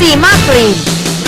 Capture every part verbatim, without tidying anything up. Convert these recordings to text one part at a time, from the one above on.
ซีมากรีน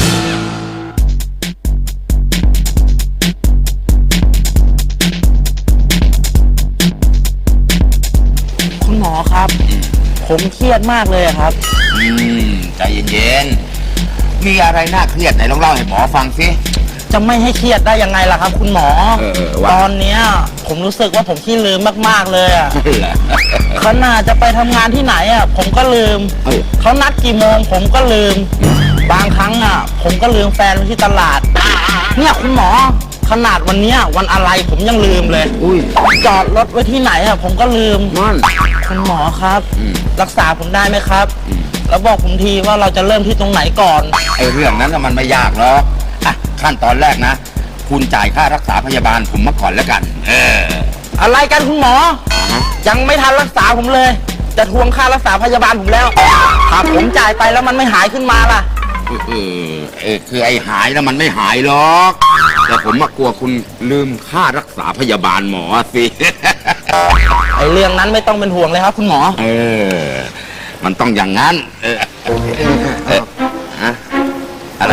คุณหมอครับผมเครียดมากเลยครับอืมใจเย็นๆมีอะไรน่าเครียดไหนลองเล่าให้หมอฟังสิจะไม่ให้เครียดได้ยังไงล่ะครับคุณหมอตอนเนี้ยผมรู้สึกว่าผมขี้ลืมมากๆเลยอ่ะขนาดจะไปทำงานที่ไหนอ่ะผมก็ลืมเขานัดกี่โมงผมก็ลืมบางครั้งอ่ะผมก็ลืมแฟนไว้ที่ตลาดเนี่ยคุณหมอขนาดวันเนี้ยวันอะไรผมยังลืมเลยจอดรถไว้ที่ไหนอ่ะผมก็ลืมคุณหมอครับรักษาผมได้ไหมครับแล้วบอกผมทีว่าเราจะเริ่มที่ตรงไหนก่อนไอ้เรื่องนั้นมันไม่ยากหรอกอ่ะขั้นตอนแรกนะคุณจ่ายค่ารักษาพยาบาลผมมาก่อนแล้วกันเอออะไรกันคุณหมอยังไม่ทันรักษาผมเลยจะทวงค่ารักษาพยาบาลผมแล้วถ้าผมจ่ายไปแล้วมันไม่หายขึ้นมาล่ะเออเออคือไอ้หายแล้วมันไม่หายหรอกแต่ผมมากลัวคุณลืมค่ารักษาพยาบาลหมอสิไอ้เรื่องนั้นไม่ต้องเป็นห่วงเลยครับคุณหมอเออมันต้องอย่างนั้นเออเออฮะอะไร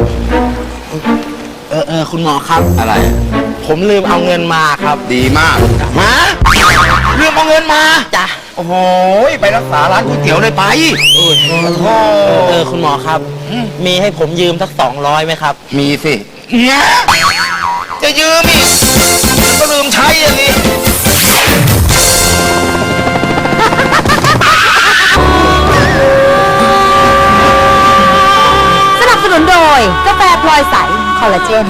เออเออคุณหมอครับอะไรผมลืมเอาเงินมาครับดีมากฮะลืมเอาเงินมาจ้ะโอ้โหไปรักษาร้านก๋วยเตี๋ยวเลยไปเออเออคุณหมอครับมีให้ผมยืมสักสองร้อยไหมครับมีสิเนี่ยจะยืมอีกก็ลืมใช้อย่างนี้สนับสนุนโดยกาแฟพลอยใสคอลลาเจน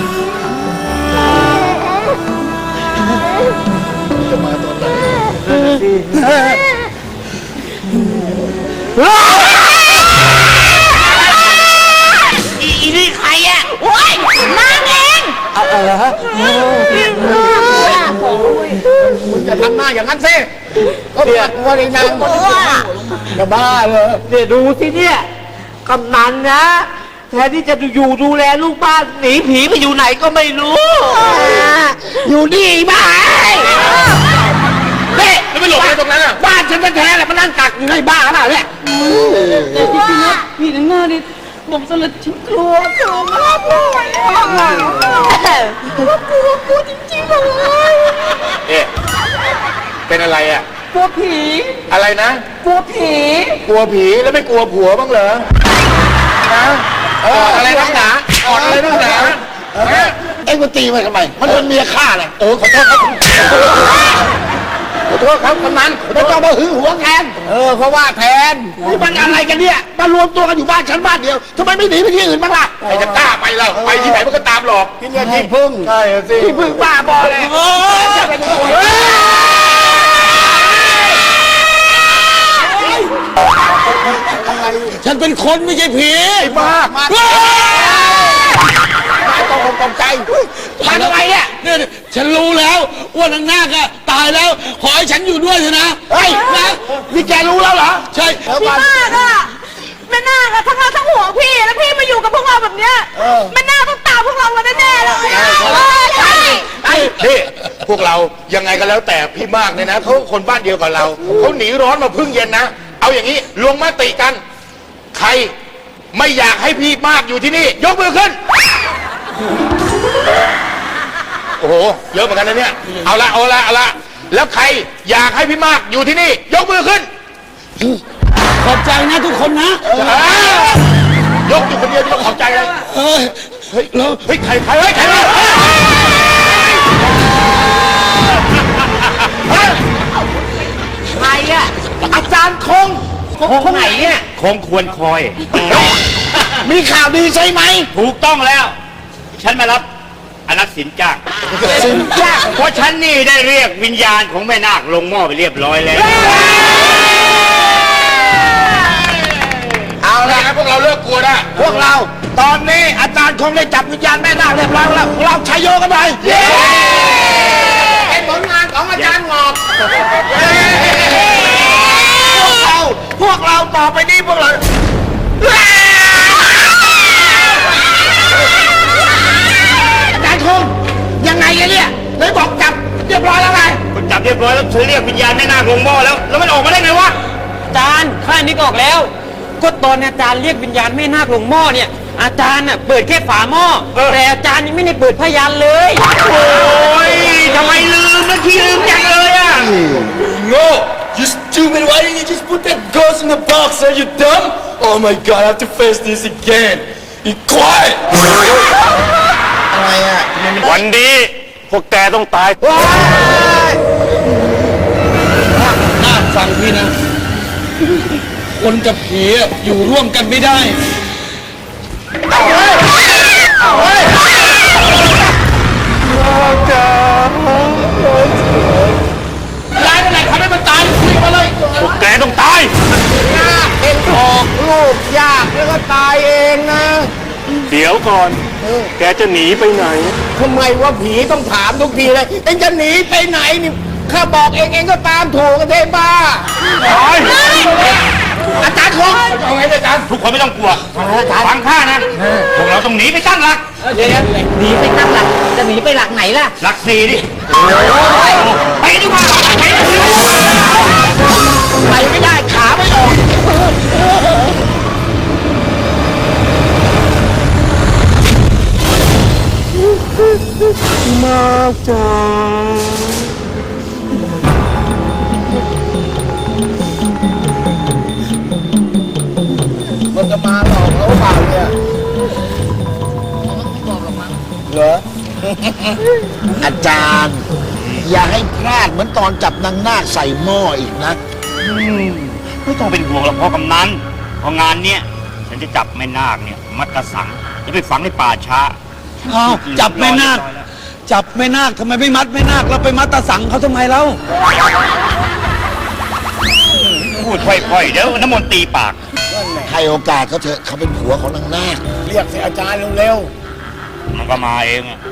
จะมาตอนไหนอีนี่ใครอ่ะโอ้ยนางเองอะไรฮะมึงจะทำหน้าอย่างนั้นสิก็เดี๋ยวว่าในนางจะบ้าเลยเนี่ยดูสิเนี่ยกำนันนะแทนที่จะอยู่ดูแลลูกบ้านหนีผีไปอยู่ไหนก็ไม่รู้อยู่นี่บ้าเฮ้ยไม่หลบไปตรงนั้นอ่ะบ้านฉันแท้ๆแหละมันนั่งกักอยู่ในบ้านขนาดนี้แต่จริงๆนะพี่นังหน้านี่ผมสลัดชิ้นกลัวกลัวมากเลยกลัวกลัวกลัวจริงๆเลยเอ๊ะเป็นอะไรอ่ะกลัวผีอะไรนะกลัวผีกลัวผีแล้วไม่กลัวผัวบ้างเหรอนะเอออะไรนักหนาอ่อนอะไรนักหนาเอ็งมาตีมันทำไมมันเป็นเมียข้าเลยโอ้ขอโทษครับขอโทษครับกำนันไม่ต้องมาหึงหวงแทนเออเพราะว่าแทนนี่มันอะไรกันเนี่ยมารวมตัวกันอยู่บ้านฉันบ้านเดียวทำไมไม่หนีไปที่อื่นบ้างล่ะใครจะกล้าไปล่ะไปที่ไหนมันก็ตามหลอกกินยาที่พึ่งใช่สิที่พึ่งบ้าบอเลยฉันเป็นคนไม่ใช่ผีบ้ามาต้องคงตกใจมาทำไมเนี่ยเนี่ยฉันรู้แล้วว่านางนาคตายแล้วขอให้ฉันอยู่ด้วยเถอะนะเฮ้ยนะนี่แกรู้แล้วเหรอใช่พี่มากอะแม่นาคทั้งเราทั้งหัวพี่แล้วพี่มาอยู่กับพวกเราแบบเนี้ยแม่นาคต้องตามพวกเรามาแน่ๆเลยใช่นี่พวกเรายังไงก็แล้วแต่พี่มากเนี่ยนะเขาคนบ้านเดียวกับเราเขาหนีร้อนมาพึ่งเย็นนะเอาอย่างนี้ลงมติกันใครไม่อยากให้พี่มากอยู่ที่นี่ยกมือขึ้นโอ้โหเยอะเหมือนกันนะเนี่ยเอาละเอาละเอาละแล้วใครอยากให้พี่มากอยู่ที่นี่ยกมือขึ้นขอบใจนะทุกคนนะยกอยู่คนเดียวที่ขอบใจเลยเฮ้ยเฮ้ยแล้วเฮ้ยใครใครเฮ้ยใครใครอะอาจารย์คงคงไหนเนี่ยคงควรคอยมีข่าวดีใช่ไหมถูกต้องแล้วฉันมารับอนักสินจ้างสินจ้างเพราะฉันนี่ได้เรียกวิญญาณของแม่นาคลงหม้อไปเรียบร้อยแล้วเอาละพวกเราเลิกกลัวนะพวกเราตอนนี้อาจารย์คงได้จับวิญญาณแม่นาคเรียบร้อยแล้วพวกเราชัยโยกันไปเป็นผลงานของอาจารย์งอกพวกเราพวกเราต่อไปนี้พวกเราอาจารย์คงยังไงกันเนี่ยเลยบอกจับเรียบร้อยแล้วไงจับเรียบร้อยแล้วฉันเรียกวิญญาณแม่นาคลงหม้อแล้วแล้วมันออกมาได้ไงวะอาจารย์ข้านึกออกแล้วก็ตอนอาจารย์เรียกวิญญาณแม่นาคลงหม้อเนี่ยอาจารย์น่ะเปิดแค่ฝาหม้อแต่อาจารย์ยังไม่ได้เปิดพยานเลยโอ้ยทำไมลืมนะขี้ลืมจังเลยอ่ะ No! You stupid! Why didn't you just put that ghost in the box? Are you dumb? Oh my god, I have to face this again. Be quiet! อะไรอ่ะวันนี้พวกแกต้องตายน่าฟังพี่นะ คนกับผีอะอยู่ร่วมกันไม่ได้ร้ายอะไรทำให้มันตายคุยมาเลยพวกแกต้องตายเอ็นออกลูกยากแล้วก็ตายเองนะเดี๋ยวก่อน แกจะหนีไปไหนทำไมว่าผีต้องถามทุกทีเลย เอ็งจะหนีไปไหนนี่ข้าบอกเองเองก็ตามถูกกันเทบ้า อาจารย์คงเอาไงอาจารย์ทุกคนไม่ต้องกลัวฟังข้านะพวกเราต้องหนีไปตั้งหลักเดี๋ยวหนีไปตั้งหลัก จะหนีไปหลักไหนล่ะหลักสี่ดิไปดีกว่าไปดีกว่าไปไม่ได้ขาไม่ออก มันจะมาหลอกเราเปล่าเนี่ยเหรอ อาจารย์ อย่าให้พลาดเหมือนตอนจับนางนาคใส่หม้ออีกนะไม่ต้องเป็นห่วงหรอกพ่อกำนันเพราะงานเนี้ยฉันจะจับแม่นาคเนี่ยมัดกระสังจะไปฝังในป่าช้าอ้าวจับแม่นาค จับแม่นาคทำไมไม่มัดแม่นาคแล้วไปมัดตาสังเขาทำไมเล่าพูดค่อยๆเดี๋ยวน้ำมนต์ตีปากให้โอกาสเขาเถอะเขาเป็นผัวของนางนาคเรียกสิอาจารย์เร็วมันก็มาเองอะ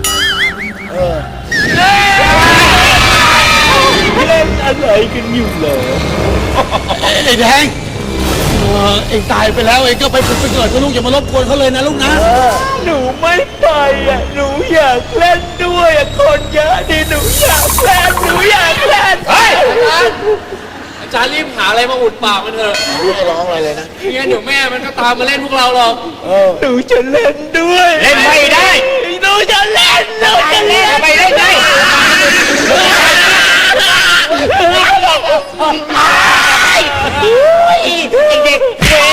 ไอ้แดงเออเองตายไปแล้วเองก็ไปผุดไปเกิดกับลูกอย่ามารบกวนเขาเลยนะลูกนะหนูไม่ไปอ่ะหนูอยากเล่นด้วยอ่ะคนเยอะดิหนูอยากเล่นหนูอยากเล่นเฮ้ยอาจารย์รีบหาอะไรมาอุดปากมันเถอะๆไม่ร้องอะไรเลยนะไม่งั้นเดี๋ยวแม่มันก็ตามมาเล่นพวกเราหรอกหนูจะเล่นด้วยเล่นไม่ได้หนูจะเล่นหนูจะเล่นไปเล่นได้เด็ก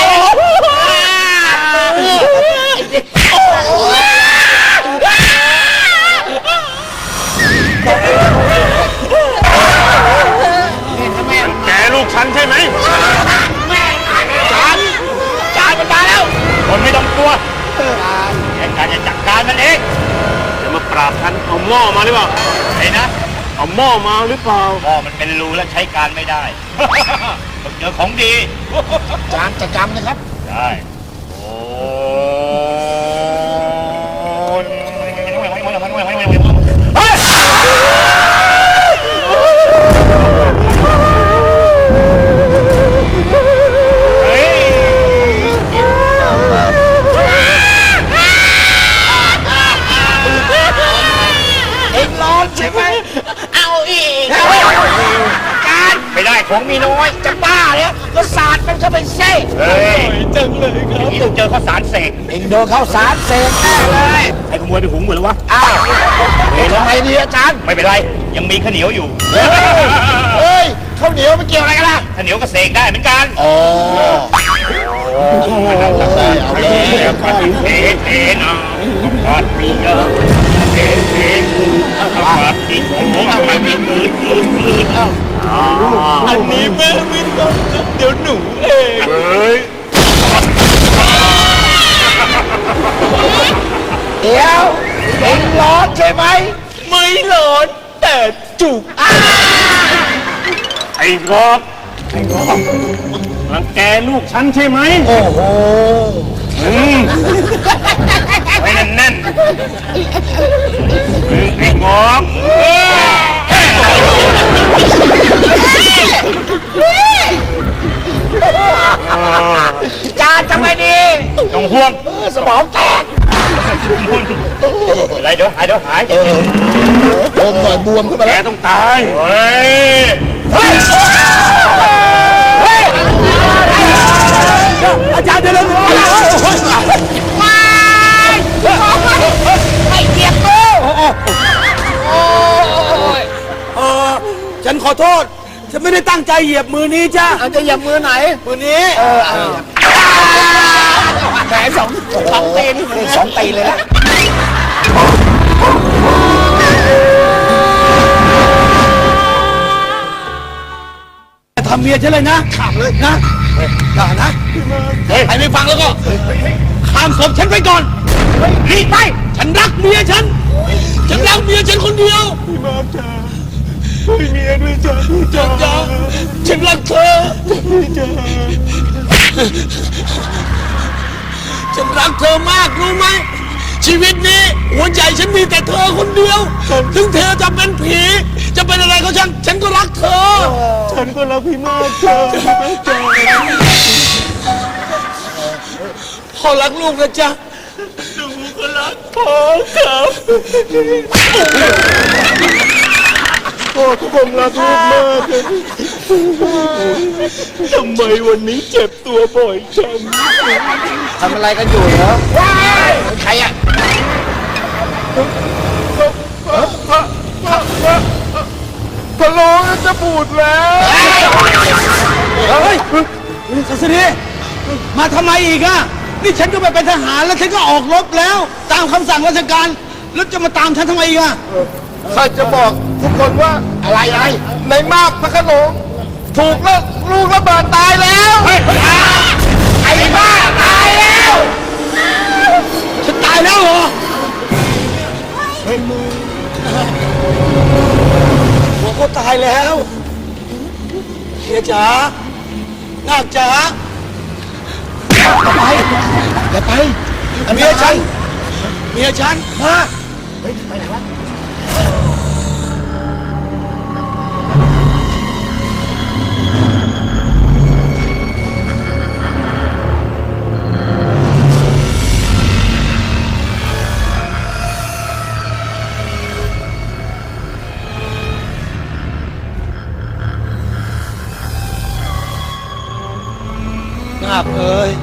ๆแกลูกฉันใช่ไหมจานจานมันมาแล้วคนไม่ต้องกลัวแค่การจะจัดการมันเองจะมาปราบฉันเอาหม้อมาหรือเปล่าไอ้นะเอาหม้อมาหรือเปล่าหม้อมันเป็นรูแล้วใช้การไม่ได้ ต้องเจอของดีจานจะจำนะครับได้โอ้เอ็งร้อนใช่ไหม เอาอีกการไม่ได้ของมีน้อยจะบ้าเนี่ยก็สาดมันเข้าไปเซ่เฮ้ยจังเลยครับนี่ต้องเจอข้าวสารเสกเอ็งโดนเข้าสารเสกแน่เลยให้ขโมยไปหุงเหมือนวะอ้าวเอ็งทำไมดีอาจารย์ไม่เป็นไร ยังมีข้าวเหนียวอยู่เฮ้ยข้าวเหนียวมันเกี่ยวอะไรกันล่ะข้าวเหนียวก็เสกได้เหมือนกันอ๋อเอาเลยเอาเลยเทเทเทนะทอดมีเยอะเทเททอดอีกโอ้โหทำไมมีมืดมืดมืดอันนี้แม่ไม่ต้องเดี๋ยวหนูเองเฮ้ยเดี๋ยวเอ็งร้อนใช่ไหมไม่ร้อนแต่จุกไอ้รอบไอ้รอบรังแกลูกฉันใช่ไหมโอ้โหอืมไว้แน่นไอ้งอกจานทำไมดีๆต้องห่วงสมองแตกอะไรเดี๋ยวหายเดี๋ยวหายเออบวมหน่อยบวมขึ้นมาแกแล้วต้องตายเฮ้ยเฮ้ยเฮ้ยอาจารย์เดี๋ยวเดี๋ยวไม่เจ็บกูเออฉันขอโทษ ฉันไม่ได้ตั้งใจเหยียบมือนี้จ้าจะเหยียบมือไหน มือนี้ เออแหมสองสองตีนสองตีนเลยนะทำเมียฉันเลยนะขับเลยนะอย่านะใครไม่ฟังแล้วก็ข้ามศพฉันไปก่อนรีบไปฉันรักเมียฉันฉันรักเมียฉันคนเดียวพี่มาจ้าพี่เมียด้วยจ้าจ้าจ้าฉันรักเธอจ้าฉันรักเธอมากรู้ไหมชีวิตนี้หัวใจฉันมีแต่เธอคนเดียวถึงเธอจะเป็นผีจะเป็นอะไรก็ช่างฉันก็รักเธอฉันก็รักพี่มากจ้าพ่อรักลูกนะจ๊ะหนูก็รักพ่อครับพ่อก็คงรักลูกมากทำไมวันนี้เจ็บตัวบ่อยจังทำอะไรกันอยู่เหรอใครอ่ะพะโล้จะบูดแล้วเฮ้ยสัสดีมาทำไมอีกอ่ะนี่ฉันก็ไปเป็นทหารแล้วฉันก็ออกรบแล้วตามคำสั่งราชการแล้วจะมาตามฉันทำไมอีกอ่ะข้าจะบอกทุกคนว่าอะไรอะไรในมากพระโขนงถูกแล้วลูกระเบิดตายแล้วไอ้บ้าตายแล้วฉันตายแล้วเหรอหัวก็ตายแล้วเฮียจ๋านาคจ๋าอย่าไปอย่าไปเมียฉันเมียฉันมาเฮ้ยไปไหนวะนาคเอ้ย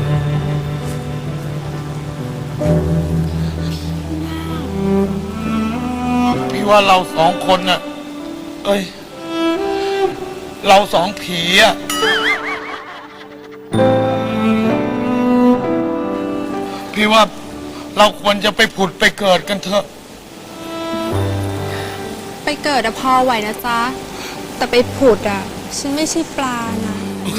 พี่ว่าเราสองคนน่ะเอ้ยเราสองผีอ่ะพี่ว่าเราควรจะไปผุดไปเกิดกันเถอะไปเกิดอะพอไหวนะจ๊ะ แต่ไปผุดอะฉันไม่ใช่ปลานะ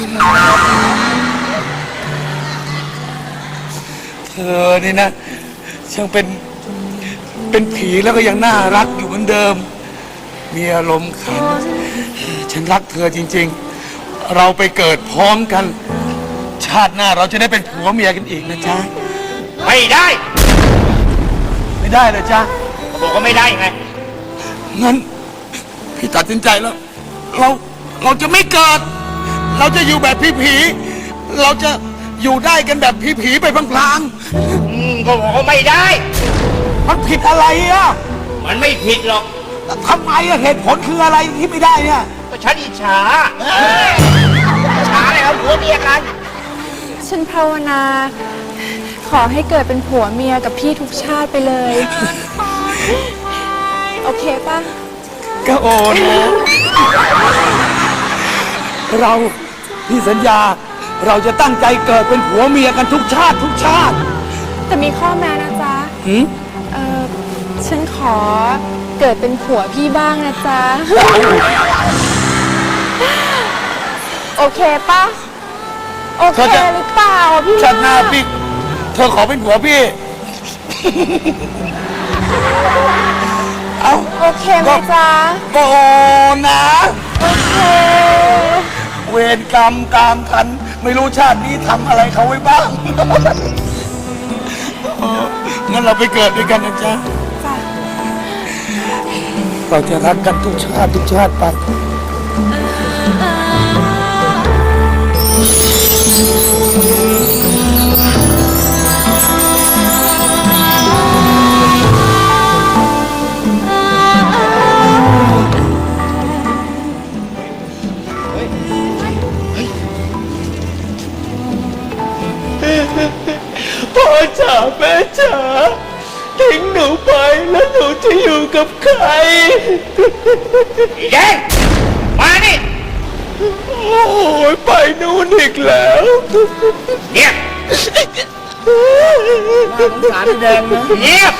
เธอนี่นะช่างเป็นเป็นผีแล้วก็ยังน่ารักอยู่เหมือนเดิม มีอารมณ์ขัน ฉันรักเธอจริงๆ เราไปเกิดพร้อมกัน ชาติหน้าเราจะได้เป็นผัวเมียกันอีกนะจ๊ะไม่ได้ไม่ได้เลยจ๊ะบอกว่าไม่ได้ไงงั้นพี่ตัดสินใจแล้ว เราเราจะไม่เกิด เราจะอยู่แบบผีๆเราจะอยู่ได้กันแบบผีๆไปพลางอืมก็บอกว่าไม่ได้ๆมันผิดอะไรอ่ะมันไม่ผิดหรอกทำไมอะเหตุผลคืออะไรที่ไม่ได้เนี่ยก็ฉันอิจฉาอิจฉาอะไรครับผัวเมียกันฉันภาวนา ขอให้เกิดเป็นผัวเมียกับพี่ทุกชาติไปเลย โอเคป่ะก็โอนนะเราพี่สัญญา เราจะตั้งใจเกิดเป็นผัวเมียกันทุกชาติทุกชาติแต่มีข้อแม้นะจ๊ะหืมเออฉันขอเกิดเป็นผัวพี่บ้างนะจ๊ะ โอเคป่ะ โอเคหรือเปล่าพี่ชาติหน้าพี่เธอขอเป็นผัวพี่ เอาโอเคไหมจ๊ะก็โอนนะโอเคเวรกรรมกรรมทัน ไม่รู้ชาตินี้ทำอะไรเขาไว้บ้าง เอองั้นเราไปเกิดด้วยกันนะจ๊ะจ้ะเราจะรักกันทุกชาติทุกชาติไปเอจ๋าแม่จ๋าทิ้งหนูไปแล้วหนูจะอยู่กับใครแดงมานี่โอ้ยไปนู่นอีกแล้วเงียบสารแดงนะเงียบ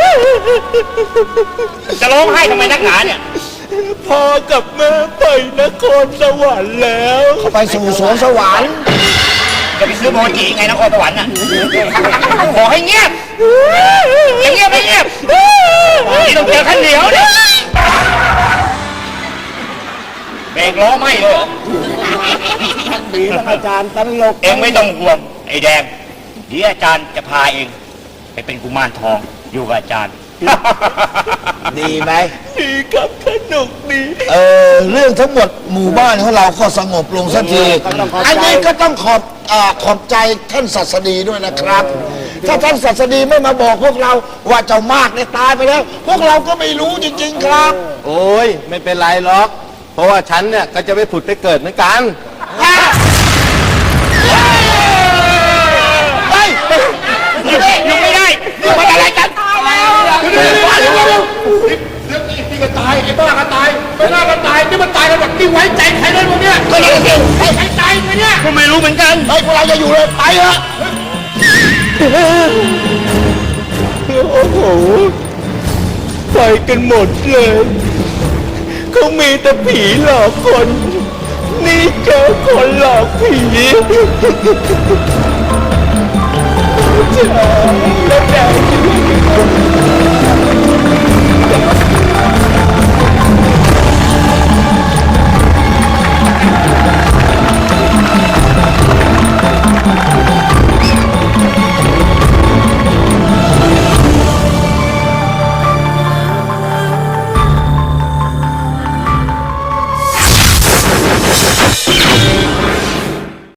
จะร้องไห้ทำไมนักหนาเนี่ยพ่อกับแม่ไปนครสวรรค์แล้วไปสู่สวนสวรรค์จะไปซื้อโมจิไงนครสวรรค์น่ะขอให้เงียบจะเงียบไม่เงียบนี่ต้องเจอขั้นเหนียวเนี่ยเบรกล้อไหม้เลยเหรอดีท่านอาจารย์ตลกเองไม่ต้องห่วงไอ้แดงเดี๋ยวอาจารย์จะพาเองไปเป็นกุมารทองอยู่กับอาจารย์ดีไหมดีครับสนุกดีเออเรื่องทั้งหมดหมู่บ้านของเราก็สงบลงสักทีอันนี้ก็ต้องขอบอ่าขอบใจท่านศาสดีด้วยนะครับ ถ้าท่านศาสดีไม่มาบอกพวกเราว่าเจ้ามากเนี่ยตายไปแล้ว พวกเราก็ไม่รู้จริงๆครับโอ้ยไม่เป็นไรหรอก เพราะว่าฉันเนี่ยก็จะไปผุดไปเกิดเหมือนกันอยู่ไม่ได้อยู่ไม่ได้อะไรกันเรื่องนี้พี่ก็ตายไอ้บ้าก็ตายไอ้บ้าก็ตายนี่มันตายกันหมดนี่ไว้ใจใครได้บ้างเนี่ยก็ยังสิใครใครตายไปเนี่ยก็ไม่รู้เหมือนกันเฮ้ยพวกเราจะอยู่เลยไปเถอะโอ้โหไปกันหมดเลยเขามีแต่ผีหลอกคน นี่เจอคนหลอกผีจ๋า